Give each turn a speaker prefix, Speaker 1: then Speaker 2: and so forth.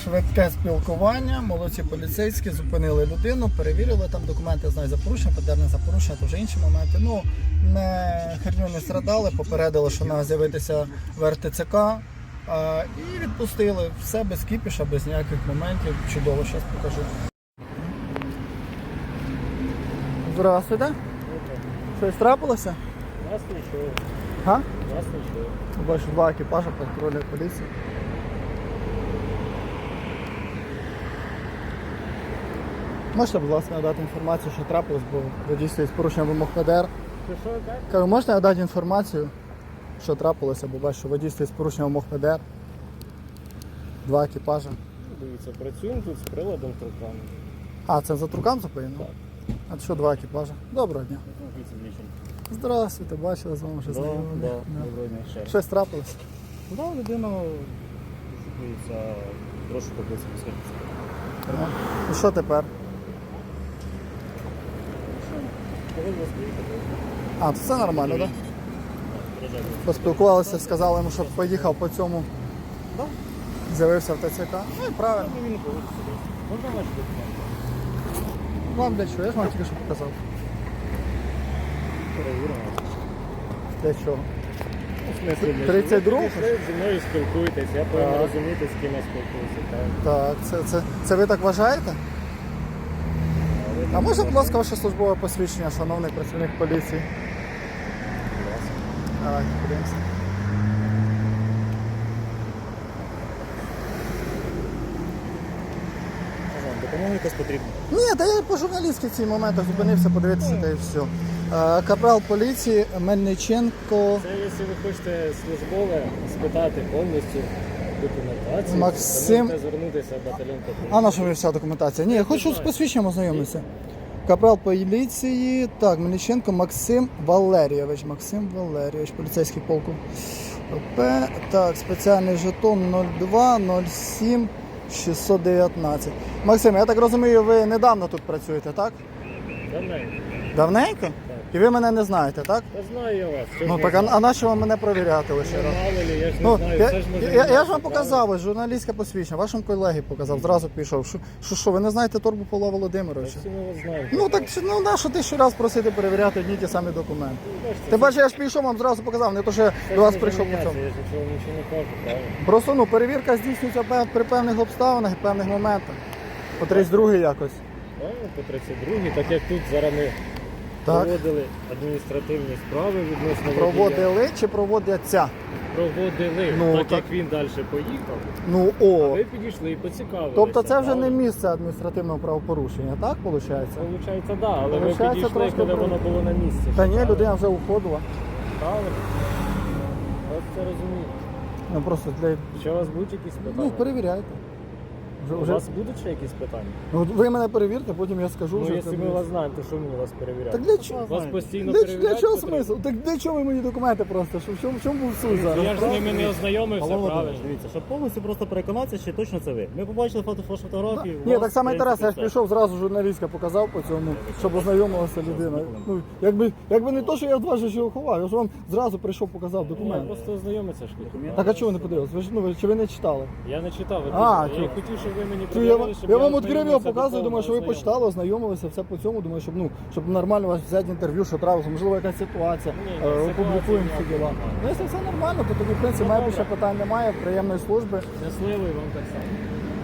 Speaker 1: Швидке спілкування, молодці поліцейські, зупинили людину, перевірили там документи, знаю, за порушення, ПДР за порушення, то вже інші моменти. Ну, херню не страдали, попередили, що треба з'явитися в РТЦК і відпустили. Все без кіпіша, без ніяких моментів. Чудово, зараз покажу. Здравствуйте. Щось трапилося?
Speaker 2: Нас нічого.
Speaker 1: Га?
Speaker 2: Нас нічого.
Speaker 1: Бачу, два екіпажа патрульної поліції. Можете, будь ласка, надати інформацію, що трапилось, бо ви дійсно з порушенням вимог ПДР.
Speaker 2: Що так?
Speaker 1: Кажу, можете надати інформацію, що трапилося, бо бачу, що водійство з порушенням вимог ПДР. Два екіпажа.
Speaker 2: Дивіться, працюємо тут з приладом труками.
Speaker 1: А, це за трукам зупинено?
Speaker 2: Так.
Speaker 1: А що два екіпажа? Доброго дня. Здравствуйте, бачили з вами вже знайомі.
Speaker 2: Доброго дня ще.
Speaker 1: Щось трапилося?
Speaker 2: Да, людина шукається трошки поблизу посвідчення.
Speaker 1: І що тепер?
Speaker 2: Повинен вас приїхати.
Speaker 1: А, то це нормально, так?
Speaker 2: Приїжджайте.
Speaker 1: Поспілкувалися, сказали йому, щоб поїхав по цьому. З'явився в ТЦК. Ну і правильно.
Speaker 2: Він повинен сюди. Можна ваші документи?
Speaker 1: Вам для чого? Я ж вам тільки що показав.
Speaker 2: Перевіримо.
Speaker 1: Для чого?
Speaker 2: В смислі, для
Speaker 1: 32?
Speaker 2: чого? Ви прийшли, зі мною спілкуєтесь, я повинен розуміти, з ким я спілкуюся. Так.
Speaker 1: Так, це ви так вважаєте? А можна, будь ласка, ваше службове посвідчення, шановний працівник поліції? Давайте, подивимося.
Speaker 2: Допомога якась потрібна.
Speaker 1: Ні, та я по журналістськи в цій моментах зупинився, подивитися та і все. Капрал поліції Мельниченко
Speaker 2: Це, якщо ви хочете службове спитати повністю документацію,
Speaker 1: Максим-
Speaker 2: то можете звернутися в батальйон патруль.
Speaker 1: А на що мені вся документація? Ні, я хочу з посвідченням ознайомитися. Капрал поліції, так, Мельниченко Максим Валерійович. Максим Валерійович, поліцейський полку. П. Так, спеціальний жетон 02 07 619. Максим, я так розумію, ви недавно тут працюєте, так?
Speaker 2: Давненько.
Speaker 1: Давненько? І ви мене не знаєте, так?
Speaker 2: Та знаю я вас. Що
Speaker 1: Ну
Speaker 2: ж
Speaker 1: так,
Speaker 2: не
Speaker 1: а на що вам мене перевіряти лише раз?
Speaker 2: мало ли, я ж не
Speaker 1: Ну,
Speaker 2: знаю.
Speaker 1: я,
Speaker 2: Це ж може
Speaker 1: я
Speaker 2: не
Speaker 1: ж
Speaker 2: ваше
Speaker 1: вам
Speaker 2: право.
Speaker 1: показав, ось журналістське посвідчення, вашому колеги показав, зразу пішов. Що, ви не знаєте Торбу Павла Володимировича?
Speaker 2: Всі ми вас знаємо.
Speaker 1: Ну так, ну на що ти ще раз просити перевіряти одні й ті самі документи?
Speaker 2: Бачите,
Speaker 1: Ти бачиш, я ж пішов, вам зразу показав, не то, що
Speaker 2: це
Speaker 1: я до
Speaker 2: ж
Speaker 1: вас
Speaker 2: може
Speaker 1: прийшов по
Speaker 2: мінятися,
Speaker 1: цьому.
Speaker 2: Я ж нічого не кажу, правильно?
Speaker 1: Просто, ну, перевірка здійснюється при певних обставинах і певних моментах. По 32 якось.
Speaker 2: Правильно, по 32-й, так як тут зараз ми
Speaker 1: Так.
Speaker 2: проводили адміністративні справи відносно водія.
Speaker 1: Проводили чи проводяться?
Speaker 2: Проводили,
Speaker 1: Ну,
Speaker 2: так
Speaker 1: так.
Speaker 2: як він далі поїхав,
Speaker 1: Ну,
Speaker 2: а
Speaker 1: о.
Speaker 2: ви підійшли і поцікавилися.
Speaker 1: Тобто це вже не
Speaker 2: правильно?
Speaker 1: місце адміністративного правопорушення, так виходить?
Speaker 2: Получається, так, да, але ви
Speaker 1: Получається,
Speaker 2: підійшли,
Speaker 1: трошки
Speaker 2: коли
Speaker 1: про-
Speaker 2: воно було на місці.
Speaker 1: Та ні,
Speaker 2: правильно?
Speaker 1: людина вже уходила.
Speaker 2: Правильно. Ось це розумію.
Speaker 1: Ну просто для...
Speaker 2: Ще у вас будуть якісь питання?
Speaker 1: Ну, перевіряйте.
Speaker 2: У вас будуть ще якісь питання?
Speaker 1: Ну, ви мене перевірте, потім я скажу.
Speaker 2: Ну,
Speaker 1: вже
Speaker 2: якщо
Speaker 1: це
Speaker 2: ми
Speaker 1: буде.
Speaker 2: вас знаємо, то що мені вас перевіряти?
Speaker 1: Так для чого?
Speaker 2: Вас постійно
Speaker 1: Для
Speaker 2: перевіряти
Speaker 1: чого
Speaker 2: потрібно?
Speaker 1: смисл? Так для чого ви мої документи просто? В чому був суть зараз?
Speaker 2: Я ж з ними не ознайомився,
Speaker 3: Павло
Speaker 2: правильно?
Speaker 3: Володимирович, дивіться, щоб повністю просто переконатися, чи точно це ви. Ми побачили фотографії.
Speaker 1: Ні, так само інтересно, я ж пішов зразу журналістка показав по цьому, щоб ознайомилася людина. Ну, якби не то, що я від вас же його ховав, я ж вам зразу прийшов, показав
Speaker 2: Я
Speaker 1: документи.
Speaker 2: просто ознайомитися ж хотів.
Speaker 1: Так а чого ви не подивилися? Ви ж чи ви не читали?
Speaker 2: Я не читав,
Speaker 1: А,
Speaker 2: я
Speaker 1: чого?
Speaker 2: хотів, щоб ви мені
Speaker 1: Я
Speaker 2: продавали,
Speaker 1: вам,
Speaker 2: щоб
Speaker 1: я вам відкрив його,
Speaker 2: ознайомився
Speaker 1: показую, думаю, що ви
Speaker 2: доповнено,
Speaker 1: почитали, ознайомилися, все по цьому, думаю, щоб нормально вас взяти інтерв'ю, що трапилося, можливо, якась ситуація,
Speaker 2: Ні, ситуації
Speaker 1: опублікуємо всі
Speaker 2: ніякої
Speaker 1: діла.
Speaker 2: немає.
Speaker 1: Ну, якщо все нормально, то тоді, в принципі,
Speaker 2: Ну,
Speaker 1: має
Speaker 2: добре.
Speaker 1: більше питань немає, приємної служби.
Speaker 2: Щасливий вам так само.